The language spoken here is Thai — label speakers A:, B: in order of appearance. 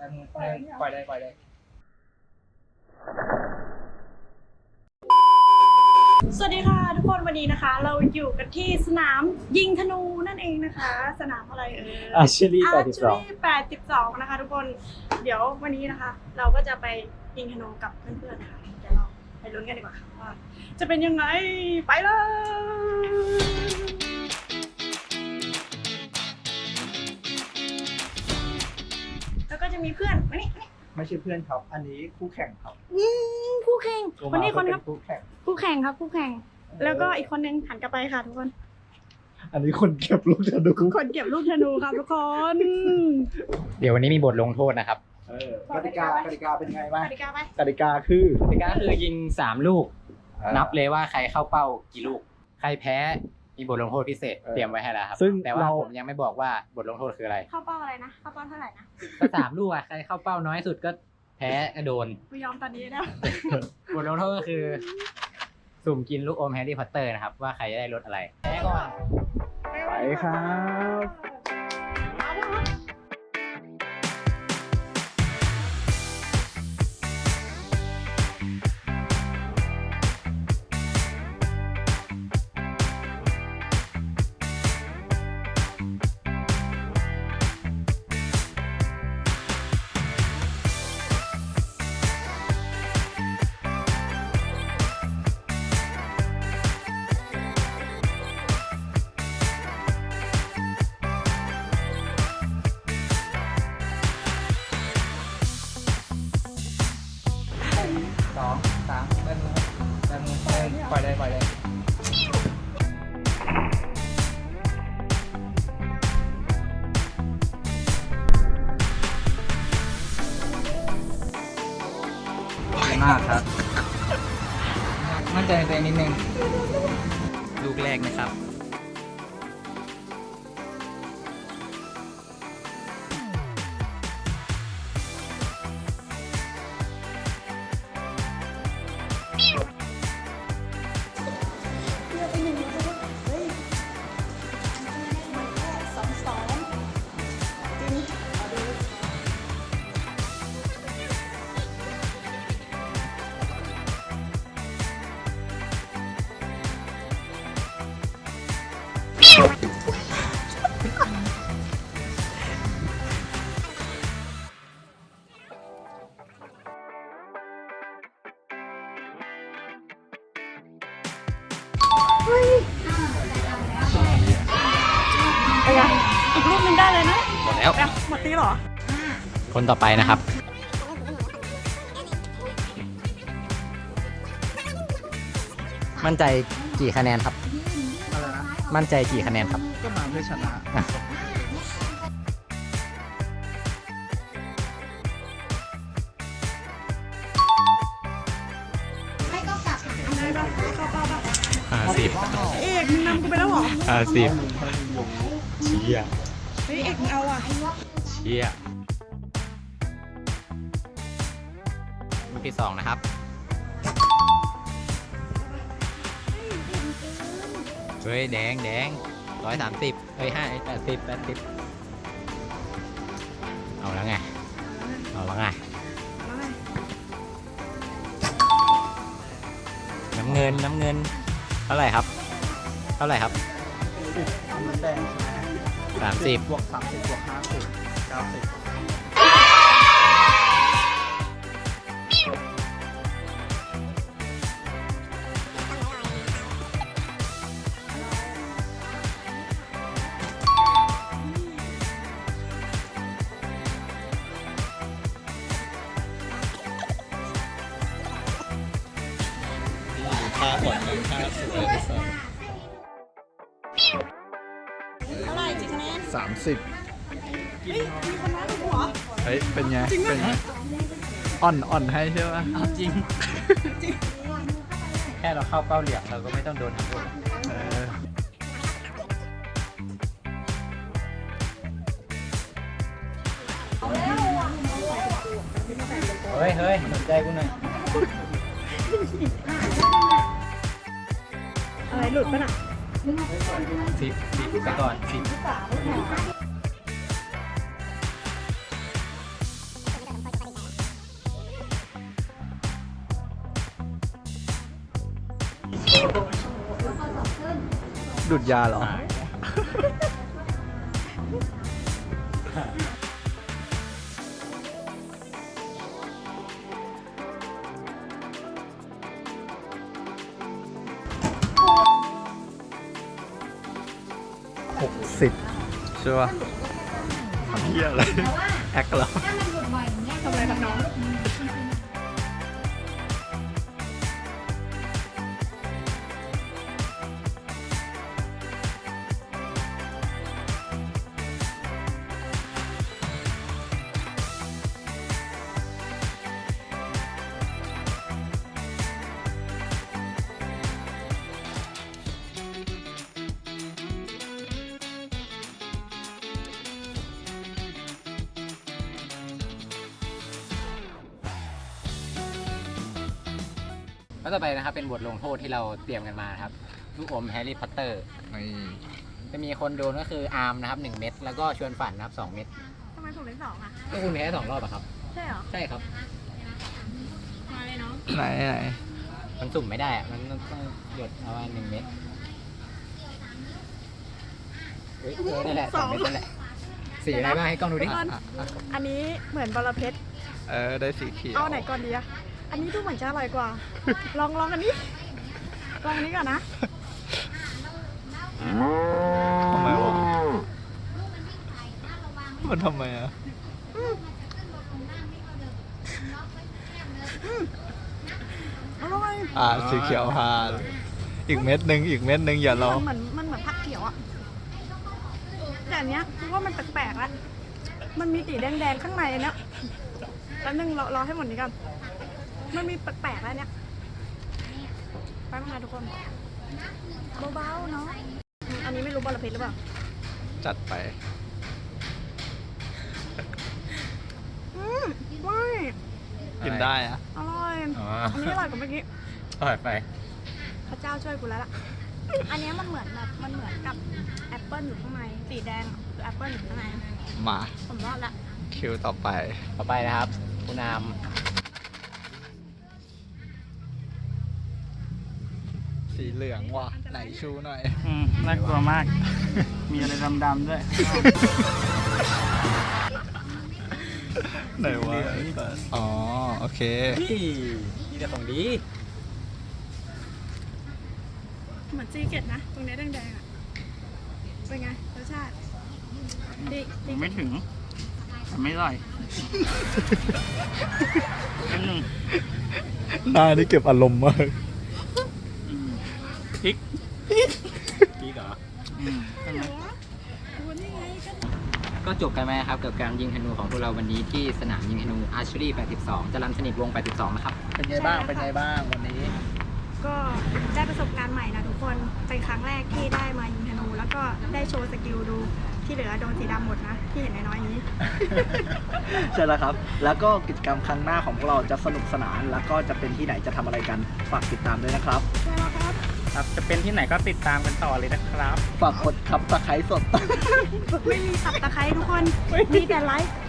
A: ปล่อยเลย
B: สวัสดีค่ะทุกคนวันนี้นะคะ เราอยู่กันที่สนามยิงธนูนั่นเองนะคะ สนามอะไร
A: Archery
B: 82นะคะทุกคนเดี๋ยววันนี้นะคะ เราก็จะไปยิงธนูกับเพื่อนๆนะคะเดี๋ยวเราไปลุ้นกันดีกว่าค่ะว่าจะเป็นยังไงไปเลยแล้วก็จะมีเพื่อนมานี่
A: ไม่ใช่เพื่อนครับอันนี้คู่แข่งครับ
B: คู่แข่งคนนี้คนครับ
A: คู่แข่ง
B: คู่แข่งครับคู่แข่งแล้วก็อีกคนนึงหันกลับไปค่ะทุกคน
A: อันนี้คนเก็บลูกธนู
B: คนเก็บลูกธนูครับทุกคน
C: เดี๋ยววันนี้มีบทลงโทษนะครับ
A: กติกาเป็นไงบ้าง
B: กติกาไป
A: กติกาคือก
C: ติกาคือยิง3ลูก นับเลยว่าใครเข้าเป้ากี่ลูก ใครแพ้มีบทลงโทษพิเศษเตรียมไว้ให้แล้วครับ
A: ซึ่ง
C: แต่ว่า
A: เรา
C: ผมยังไม่บอกว่าบทลงโทษคืออะไร
B: เข้าเป้าอะไรนะเข้าเป้าเท่าไหร่นะ
C: ก็3ลูกอ่ะใครเข้าเป้าน้อยสุดก็แพ้ก็โดน
B: ไม่ยอมตอนนี้นะ
C: บทลงโทษก็คือ สุ่มกินลูกอมแฮร์รี่พอตเตอร์นะครับว่าใครจะได้รสอะไรแพ้ก่อน
A: ไปครับ
C: 2 3เริ่มมือปล่อยเลยดีมากครับมั่นใจในตัวเองนิดนึงลูกแรกนะครับ
B: ไปไงอีกรูปหนึงได้เลยนะ
C: หมดแล้ว
B: ไปหมดตีเหรอ
C: คนต่อไปนะครับ มั่นใจกี่คะแนนครับ
A: อะไรนะ
C: มั่นใจกี่คะแนนครับ
A: ก็มาเพื่อชนะ
B: ได้ปะเข้าเป้าปะ
C: 50
B: เอกมึงนำกูไปแล้วเหรอ
C: 50เชี่ย
B: เฮ้ยเอกมึงเอาอ่ะ
C: เชี่ยลูกที่2นะครับ เฮ้ยแดง130เฮ้ย80เอาแล้วไงน้ำเงินเท่าไหร่ครับ
A: มันแดงใช่ไหม
C: 30
A: บวก30บวก50 90ท่าหดท่าสวยที่สุด
B: เท่าไหร่กี่คะแนน
A: 30
B: เฮ้ยมีคนน้อยกว่ากูเหรอ
A: เฮ้ยเป็นไงเป็นไงอ่อนให้ใช่ไหม
C: เอาจริง แค่เราเข้าเป้าเหลี่ยมเราก็ไม่ต้องโดนทั้งหมด เฮ้ยสนใจกูหน่อย
B: อะไรหลุดปะน่ะ
C: 10ไปก่อน10
A: ดูดยาเหรอ 60 ใช่ป่ะทำเหี้ยอะไร แอคเหรอ
B: ทำอะไรครับน้อง
C: แล้วต่อไปนะครับเป็นบทลงโทษที่เราเตรียมกันมาครับลูกอมแฮร์รี่พอตเตอร์จะมีคนโดนก็คืออาร์มนะครับ1 เม็ดแล้วก็ชวนฝันนะครับ2 เม็ด
B: ทำไมผมเล่น2อ่ะ
C: ก็คุณแพ้2 รอบอะครับ
B: ใช่เหรอ
C: ใช่ครับ
B: มาเลยน้อง
A: ไหน
C: มันสุ่มไม่ได้อะมันต้องหยดเอา1 เม็ดเฮ้ยนั่นแหละ2 เม็ดนั่นแหละสีอะไรบ้างให้กล้องดูดิ
B: อันนี้เหมือนบอระเพ็ด
A: ได้สีเขียว
B: เอาไหนก่อนดีอะอันนี้ดูเหมือนจะอร่อยกว่า ลองอันนี้ ลองอันนี้ก่อนนะ
A: ทำไมวะมันทำไมอ่ะ
B: อร่อย
A: สีเขียวพาอีกเม็ดหนึ่งอย่ารอ
B: มันเหมือนผักเขียวอะแต่อันเนี้ยคือว่ามันแปลกๆแล้วมันมีสีแดงๆข้างในเนี้ยแล้วนึงรอให้หมดนี้ก่อนมันมีแปลกๆแล้วเนี้ยไปมาทุกคนเบาๆเนาะอันนี้ไม่รู้บอระเพ็ดหรือเปล่า
A: จัดไป
B: ไม่
A: กินได้อะ
B: อร่อย อันนี้อร่อยกว่าเมื่อกี้
C: อร่อยไป
B: พระเจ้าช่วยกูแล้วล่ะ อันนี้มันเหมือนกับแอปเปิ้ลอยู่ข้างในสีแดงคือแอปเปิ้ลอยู่ข้างใน
A: มา
B: ผมรอดละ
A: คิวต่อไป
C: ต่อไปนะครับคุณอาร์ม
A: สีเหลืองว่ะไหนชูหน่อย
D: น่ากลัวมาก มีอะไรดำๆด้วย
A: ไหนวะอ๋อ โอเค
C: นี่แต่ของดี
B: เหมือนซีเกตนะ ตรงนี้แดงๆอ่ะ เป็นไงรสชาติ ดี
D: ยังไม่ถึงแต่ไม่อร่อยนิดนึง
A: หน้านี่เก็บอารมณ์มาก
D: พริก
C: ดีเหรอ
D: ใช่ไหม
B: ดูนี่ไงก็
C: ก็จบกันไหมครับกับการยิงธนูของพวกเราวันนี้ที่สนามยิงธนู Archery 82 จรัญสนิทวงศ์82 นะครับ
A: เป็นไงบ้างวันนี้
B: ก็ได้ประสบการณ์ใหม่นะทุกคน เป็นครั้งแรกที่ได้มายิงธนู แล้วก็ได้โชว์สกิลดู ที่เหลือโดนสีดำหมดนะ ที่เห็นน้อยๆนี้
E: ใช่แล้วครับ แล้วก็กิจกรรมครั้งหน้าของพวกเราจะสนุกสนาน แล้วก็จะเป็นที่ไหนจะทำอะไรกัน ฝากติดตามด้วยนะครับ
B: ใช่แล้วครับ
D: ครับ จะเป็นที่ไหนก็ติดตามกันต่อเลยนะครับ
E: ฝากกดครับตะไคร้สด
B: ไม่มีสับตะไคร้ทุกคน มีแต่ไลค์